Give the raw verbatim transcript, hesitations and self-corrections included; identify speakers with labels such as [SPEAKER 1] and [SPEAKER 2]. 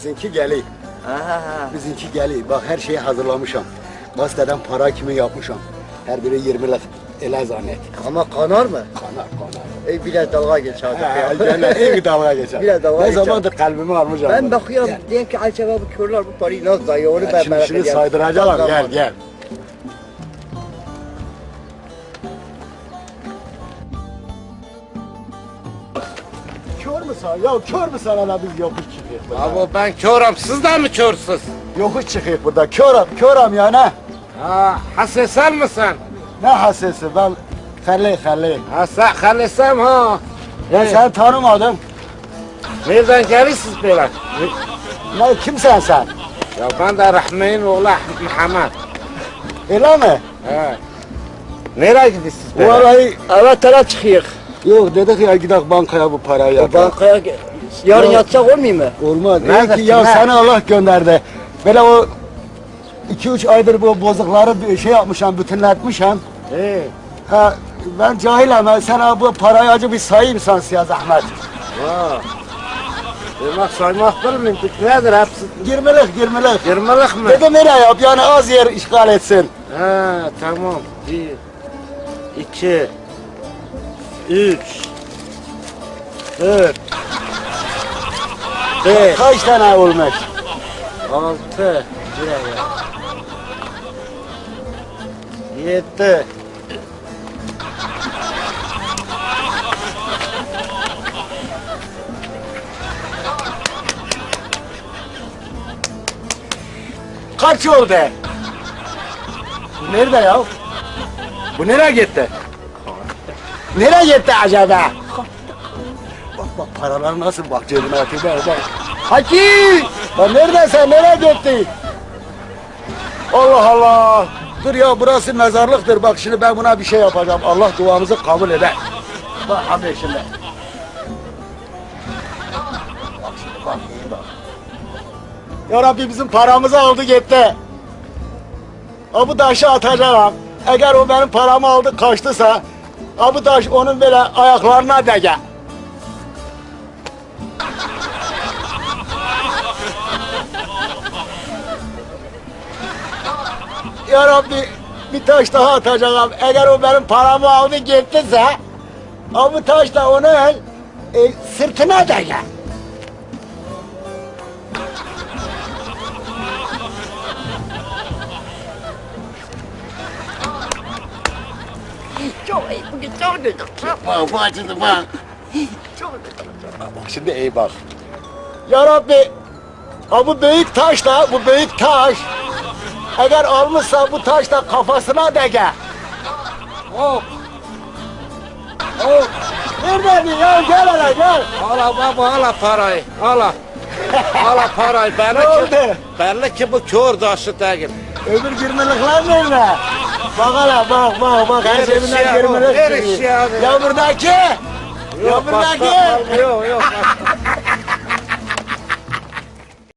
[SPEAKER 1] Bizimki geliyor.
[SPEAKER 2] Ha.
[SPEAKER 1] Bizimki geliyor. Bak her şeyi hazırlamışım. Gazeteden para kimi yapmışım. Her biri yirmilik ele zannet.
[SPEAKER 2] Ama kanar mı?
[SPEAKER 1] Kanar kanar.
[SPEAKER 2] E biraz dalga geç hadi.
[SPEAKER 1] Cennet iyi bir dalga geçer.
[SPEAKER 2] Biraz dalga
[SPEAKER 1] Ne
[SPEAKER 2] geçer.
[SPEAKER 1] zamandır kalbimi almışım.
[SPEAKER 2] Ben bakıyorum diyorum ki acaba bu körler bu parayı nasıl dayıyor onu ben
[SPEAKER 1] Şimdi
[SPEAKER 2] merak
[SPEAKER 1] şunu
[SPEAKER 2] ediyorum.
[SPEAKER 1] saydıracağım. Gel
[SPEAKER 2] Tamam.
[SPEAKER 1] gel. Kör müsün? Ya kör müsün ana biz yokuş çıkıyoruz burada.
[SPEAKER 3] Abi ben körüm, siz de mi körsüz?
[SPEAKER 1] Yokuş çıkıyoruz burada. Körüm, körüm ya ne?
[SPEAKER 3] Ha, hasesel misin?
[SPEAKER 1] Ne hasesi ben Halil Halil.
[SPEAKER 3] Ha, sen halisem ha.
[SPEAKER 1] Ya sen tanımadım.
[SPEAKER 3] Nereden gelirsiniz böyle?
[SPEAKER 1] Ne kimsen sen?
[SPEAKER 3] Ya ben de Rahmi'nin oğlu Ahmet Muhammed.
[SPEAKER 1] Öyle mi?
[SPEAKER 3] He. Nereye gidiyorsunuz
[SPEAKER 1] Bu
[SPEAKER 3] böyle?
[SPEAKER 1] arayı
[SPEAKER 2] Evet tara çıkıyor.
[SPEAKER 1] yok dedik ya gidelim bankaya bu parayı
[SPEAKER 2] O
[SPEAKER 1] yapalım.
[SPEAKER 2] bankaya yarın
[SPEAKER 1] Ya-
[SPEAKER 2] yatsak olmuyor mu?
[SPEAKER 1] Olmaz.
[SPEAKER 3] Neredesin,
[SPEAKER 1] İyi ki ya
[SPEAKER 3] ne?
[SPEAKER 1] seni Allah gönderdi. Böyle o iki üç aydır bu bozukları bir şey yapmışım, bütünletmişim.
[SPEAKER 3] He.
[SPEAKER 1] Ha, ben cahilim. Ben sana bu parayı acı bir sayayım sen ya zahmet.
[SPEAKER 3] Ha. Demek saymak bilmiyorum. Nedir hepsi?
[SPEAKER 1] Yirmilik, yirmilik.
[SPEAKER 3] Yirmilik mi?
[SPEAKER 1] Dedim nereye yap yani az yer işgal etsin.
[SPEAKER 3] Ha, tamam. Bir, iki, üç, dört, beş,
[SPEAKER 1] Kaç tane olmuş?
[SPEAKER 3] altı, yedi,
[SPEAKER 1] Kaç oldu? Bu nerede ya? Bu nereye gitti? Nereye gitti acaba? Bak bak paralar nasıl bak cebine atıyor bak bak. Haki! Lan neredesin? Nereye gitti? Allah Allah! Dur ya burası mezarlıktır. Bak şimdi ben buna bir şey yapacağım. Allah duamızı kabul eder. Bak abi şimdi. Bak şimdi bak iyi bak. Ya Rabbi bizim paramızı aldı gitti. Ha bu taşı atacağım. Eğer o benim paramı aldı kaçtısa ha bu taş onun böyle ayaklarına değer. Ya Rabbi bir taş daha atacağım. Eğer o benim paramı aldı gittiyse ha bu taş da onun e, sırtına değer.
[SPEAKER 2] Çok iyi bugün çok güzel.
[SPEAKER 1] Bak bu acıdı bak. Bak şimdi iyi bak. Ya Rabbi, ha bu büyük taş da, bu büyük taş. Eğer almışsa bu taş da kafasına değer. Hop. Hop. Neredeydin ya? Gel hele gel.
[SPEAKER 3] Ala baba ala parayı, ala. Ala parayı, belli
[SPEAKER 1] Ne
[SPEAKER 3] ki,
[SPEAKER 1] oldu?
[SPEAKER 3] belli ki bu kör taşı değil.
[SPEAKER 1] Öbür girmelikler nerede? Bak hele bak bak bak her
[SPEAKER 3] Ver
[SPEAKER 1] cebinden
[SPEAKER 3] eşya,
[SPEAKER 1] girmelik
[SPEAKER 3] ver
[SPEAKER 1] çıkıyor.
[SPEAKER 3] eşya.
[SPEAKER 1] Ya buradaki. Ya
[SPEAKER 3] Yok,
[SPEAKER 1] buradaki.
[SPEAKER 3] başka- yok yok.